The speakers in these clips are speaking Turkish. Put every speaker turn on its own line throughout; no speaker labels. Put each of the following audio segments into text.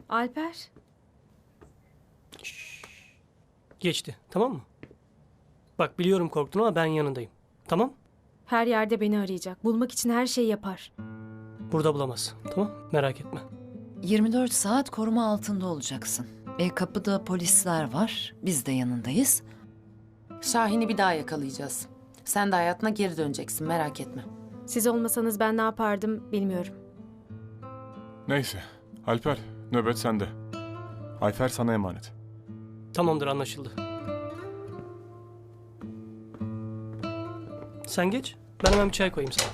Alper.
Geçti, tamam mı? Bak biliyorum korktun ama ben yanındayım. Tamam?
Her yerde beni arayacak. Bulmak için her şeyi yapar.
Burada bulamaz. Tamam? Merak etme.
24 saat koruma altında olacaksın. Kapıda polisler var. Biz de yanındayız.
Şahin'i bir daha yakalayacağız. Sen de hayatına geri döneceksin, merak etme.
Siz olmasanız ben ne yapardım bilmiyorum.
Neyse. Alper, nöbet sende. Ayfer sana emanet.
Tamamdır, anlaşıldı. Sen geç. Ben hemen bir çay koyayım sana.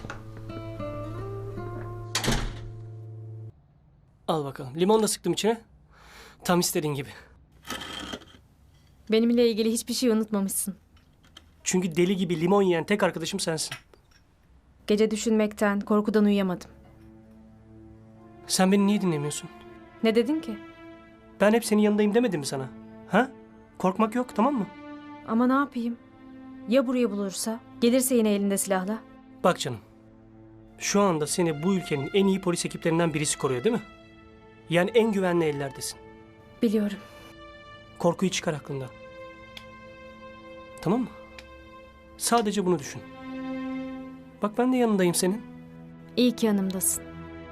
Al bakalım. Limon da sıktım içine. Tam istediğin gibi.
Benimle ilgili hiçbir şey unutmamışsın.
Çünkü deli gibi limon yiyen tek arkadaşım sensin.
Gece düşünmekten, korkudan uyuyamadım.
Sen beni niye dinlemiyorsun?
Ne dedin ki?
Ben hep senin yanındayım demedim mi sana? Ha? Korkmak yok, tamam mı?
Ama ne yapayım? Ya buraya bulursa? Gelirse yine elinde silahla?
Bak canım. Şu anda seni bu ülkenin en iyi polis ekiplerinden birisi koruyor değil mi? Yani en güvenli ellerdesin.
Biliyorum.
Korkuyu çıkar aklından. Tamam mı? Sadece bunu düşün. Bak ben de yanındayım senin.
İyi ki yanımdasın.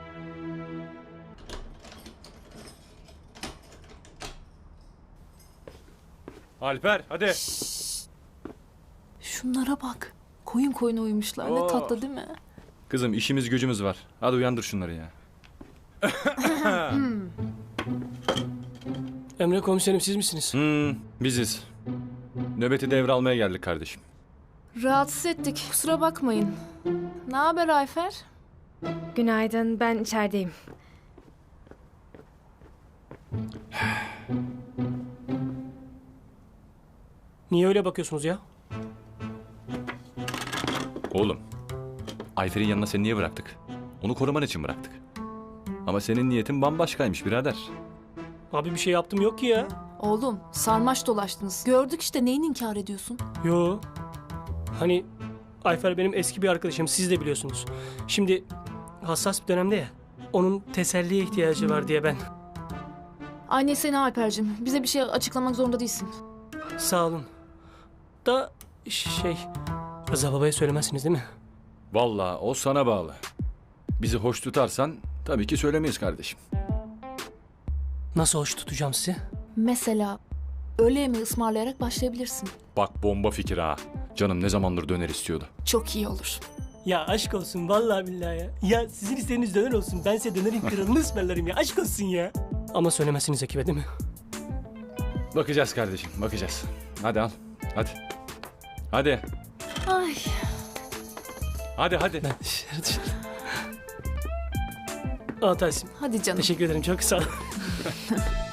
Alper hadi.
Şunlara bak. Koyun koyuna uyumuşlar. Ne tatlı değil mi?
Kızım işimiz gücümüz var. Hadi uyandır şunları ya.
Emre komiserim siz misiniz?
Biziz. Nöbeti devralmaya geldik kardeşim.
Rahatsız ettik. Kusura bakmayın. Ne haber Ayfer?
Günaydın, ben içerideyim.
Niye öyle bakıyorsunuz ya?
Oğlum. Ayfer'in yanına seni niye bıraktık? Onu koruman için bıraktık. Ama senin niyetin bambaşkaymış birader.
Abi bir şey yaptım yok ki ya.
Oğlum sarmaş dolaştınız. Gördük işte, neyini inkar ediyorsun?
Yo. Hani Ayfer benim eski bir arkadaşım, siz de biliyorsunuz. Şimdi hassas bir dönemde ya. Onun teselliye ihtiyacı var diye ben.
Ay seni Alper'cim. Bize bir şey açıklamak zorunda değilsin.
Sağ olun. Da Rıza babaya söylemezsiniz değil mi?
Vallahi o sana bağlı. Bizi hoş tutarsan tabii ki söylemeyiz kardeşim.
Nasıl hoş tutacağım sizi?
Mesela öğle yemeği ısmarlayarak başlayabilirsin.
Bak bomba fikir ha. Canım ne zamandır döner istiyordu.
Çok iyi olur.
Ya aşk olsun vallahi billahi ya. Ya sizin isteğiniz döner olsun. Ben size dönerin kralını ısmarlarım ya. Aşk olsun ya. Ama söylemezsiniz ekibe değil mi?
Bakacağız kardeşim bakacağız. Hadi al. Hadi. Hadi.
Ay.
Hadi.
Ben dışarı. Aa Tahsin.
Hadi canım.
Teşekkür ederim çok sağ ol.